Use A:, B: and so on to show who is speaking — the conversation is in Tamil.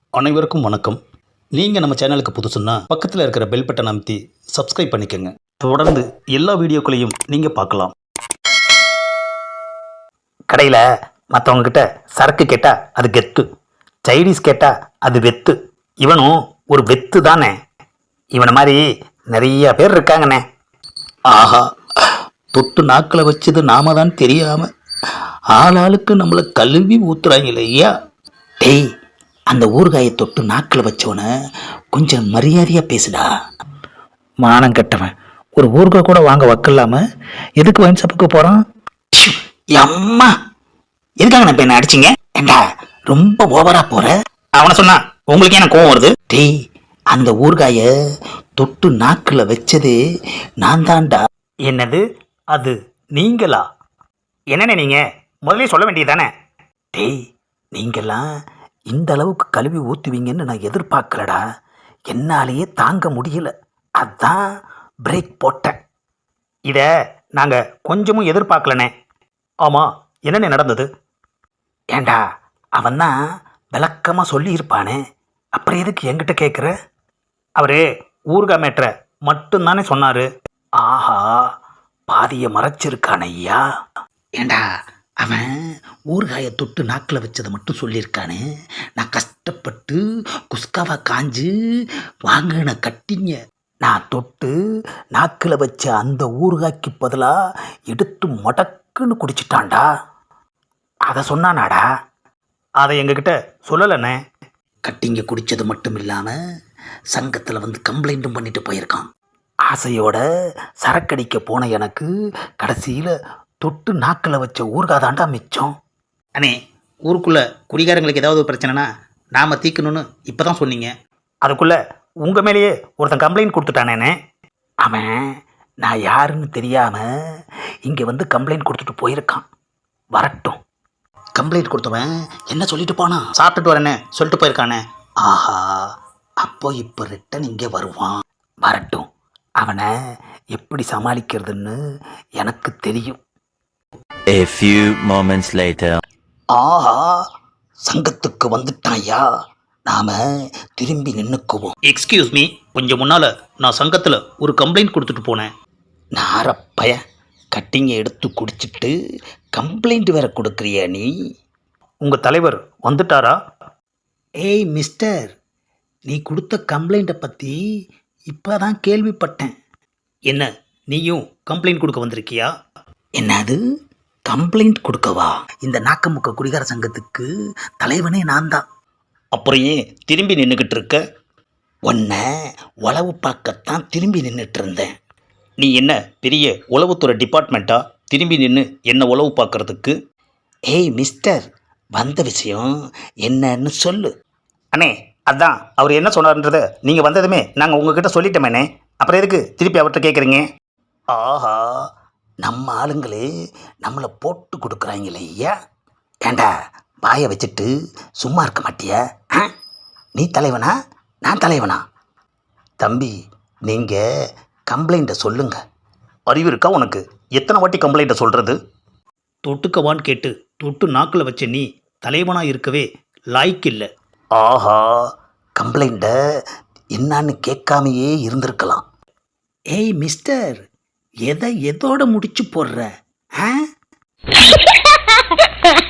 A: அனைவருக்கும் வணக்கம். நீங்கள் நம்ம சேனலுக்கு புதுசுன்னா பக்கத்தில் இருக்கிற பெல் பட்டன் அமைத்தி சப்ஸ்கிரைப் பண்ணிக்கோங்க. தொடர்ந்து எல்லா வீடியோக்களையும் நீங்கள் பார்க்கலாம்.
B: கடையில் மற்றவங்கக்கிட்ட சரக்கு கேட்டால் அது கெத்து, சைனீஸ் கேட்டால் அது வெத்து. இவனும் ஒரு வெத்து தானே. இவனை மாதிரி நிறைய பேர் இருக்காங்கண்ணே.
A: ஆஹா, தொட்டு நாக்கில் வச்சது நாம தான் தெரியாமல் ஆளாளுக்கு நம்மளை கழுவி ஊத்துறாங்க ஐயா.
B: டேய், அந்த ஊறுகாயை தொட்டு நாக்கில் வச்சவனை கொஞ்சம் மரியாதையாக பேசுடா. மானம் கெட்டவன், ஒரு ஊறுகாய் கூட வாங்க வக்கலாம எதுக்கு வைன் ஷாப்புக்கு போகிறான்? அம்மா, எதுக்காக நான் இப்போ என்ன அடிச்சிங்க? ஏண்டா ரொம்ப ஓவரா போற. அவனை சொன்னா உங்களுக்கு என்ன கோவம் வருது? டேய், அந்த ஊறுகாயை தொட்டு நாக்கில் வச்சது நான் தான்டா.
A: என்னது அது நீங்களா?
B: என்னண்ணே நீங்கள் முதல்ல சொல்ல வேண்டியதானே? டேய், நீங்கள்லாம் இந்த அளவுக்கு கழுவி ஊற்றுவீங்கன்னு நான் எதிர்பார்க்கலடா. என்னாலேயே தாங்க முடியல, அதான் பிரேக் போட்டேன். இதை நாங்கள் கொஞ்சமும் எதிர்பார்க்கலண்ணே.
A: ஆமாம், என்னென்ன நடந்தது?
B: ஏண்டா, அவன் தான் விளக்கமாக சொல்லியிருப்பானே, அப்புறம் எதுக்கு என்கிட்ட கேட்குற?
A: அவர் ஊறுகாய் மேட்ரை மட்டும்தானே சொன்னார்.
B: ஆஹா, பாதியை மறைச்சிருக்கான ஐயா. ஏண்டா, அவன் ஊறுகாயை தொட்டு நாக்கில் வச்சதை மட்டும் சொல்லியிருக்கானே. நான் கஷ்டப்பட்டு குஸ்காவா காஞ்சு வாங்கின கட்டிங்க நான் தொட்டு நாக்கில் வச்ச அந்த ஊறுகாய்க்கு பதிலாக எடுத்து மடக்குன்னு குடிச்சிட்டான்டா. அதை சொன்னானாடா?
A: அதை எங்ககிட்ட சொல்லலைண்ணே.
B: கட்டிங்க குடித்தது மட்டும் இல்லாமல் சங்கத்தில் வந்து கம்ப்ளைண்ட்டும் பண்ணிட்டு போயிருக்கான். ஆசையோட சரக்கடிக்க போன எனக்கு கடைசியில் தொட்டு நாக்கில் வச்ச ஊறுகாய் தாண்டா மிச்சம்.
A: அண்ணே, ஊருக்குள்ளே குடிகாரங்களுக்கு ஏதாவது பிரச்சனைனா நாம் தீக்கணும்னு இப்போ தான் சொன்னீங்க.
B: அதுக்குள்ளே உங்கள் மேலேயே ஒருத்தன் கம்ப்ளைண்ட் கொடுத்துட்டானேண்ணே. அவன் நான் யாருன்னு தெரியாமல் இங்கே வந்து கம்ப்ளைண்ட் கொடுத்துட்டு போயிருக்கான். வரட்டும்.
A: கம்ப்ளைண்ட் கொடுத்தவன் என்ன சொல்லிட்டு போனான்? சாப்பிட்டுட்டு வரேன்னு சொல்லிட்டு போயிருக்கானே.
B: ஆஹா, அப்போ இப்போ ரிட்டன் இங்கே வருவான். வரட்டும், அவனை எப்படி சமாளிக்கிறதுன்னு எனக்கு தெரியும்.
C: A few moments later.
B: ஆஹா, சங்கத்துக்கு வந்துட்டாயா, நாம திரும்பி நின்னுக்குவோம்.
A: எக்ஸ்கியூஸ் மீ, கொஞ்சம் முன்னால் நான் சங்கத்தில் ஒரு கம்ப்ளைண்ட் கொடுத்துட்டு போனேன்.
B: நாரப்பய, கட்டிங்க எடுத்து குடிச்சிட்டு கம்ப்ளைண்ட் வேற கொடுக்குறியா நீ?
A: உங்கள் தலைவர் வந்துட்டாரா?
B: ஏய் மிஸ்டர், நீ கொடுத்த கம்ப்ளைண்ட்டை பற்றி இப்போ தான் கேள்விப்பட்டேன்.
A: என்ன, நீயும் கம்ப்ளைண்ட் கொடுக்க வந்திருக்கியா?
B: என்னது, கம்ப்ளைண்ட் கொடுக்கவா? இந்த நாக்கமுக்க குடிகார சங்கத்துக்கு தலைவனே நான் தான்.
A: அப்புறம் ஏன் திரும்பி நின்றுக்கிட்டு இருக்க?
B: உன்னை உளவு பார்க்கத்தான் திரும்பி நின்றுட்டு இருந்தேன்.
A: நீ என்ன பெரிய உளவுத்துறை டிபார்ட்மெண்ட்டா திரும்பி நின்று என்ன உளவு பார்க்கறதுக்கு?
B: ஏய் மிஸ்டர், வந்த விஷயம் என்னன்னு சொல்லு.
A: அண்ணே, அதான் அவர் என்ன சொன்னார்ன்றதை நீங்கள் வந்ததுமே நாங்கள் உங்ககிட்ட சொல்லிட்டோமேண்ணே. அப்புறம் எதுக்கு திருப்பி அவர்கிட்ட கேட்குறீங்க?
B: ஆஹா, நம்ம ஆளுங்களே நம்மளை போட்டு கொடுக்குறாங்களே ஐயா. ஏண்டா, வாயை வச்சுட்டு சும்மா இருக்க மாட்டியா? நீ தலைவனா, நான் தலைவனா? தம்பி, நீங்கள் கம்ப்ளைண்ட்டை சொல்லுங்க.
A: அறிவு இருக்கா உனக்கு? எத்தனை வாட்டி கம்ப்ளைண்ட்டை சொல்கிறது? தொட்டுக்கவான்னு கேட்டு தொட்டு நாக்கில் வச்ச நீ தலைவனாக இருக்கவே லாய்க்கு இல்லை.
B: ஆஹா, கம்ப்ளைண்ட்டை என்னான்னு கேட்காமையே இருந்திருக்கலாம். ஏய் மிஸ்டர், எதை எதோட முடிச்சு போடுற?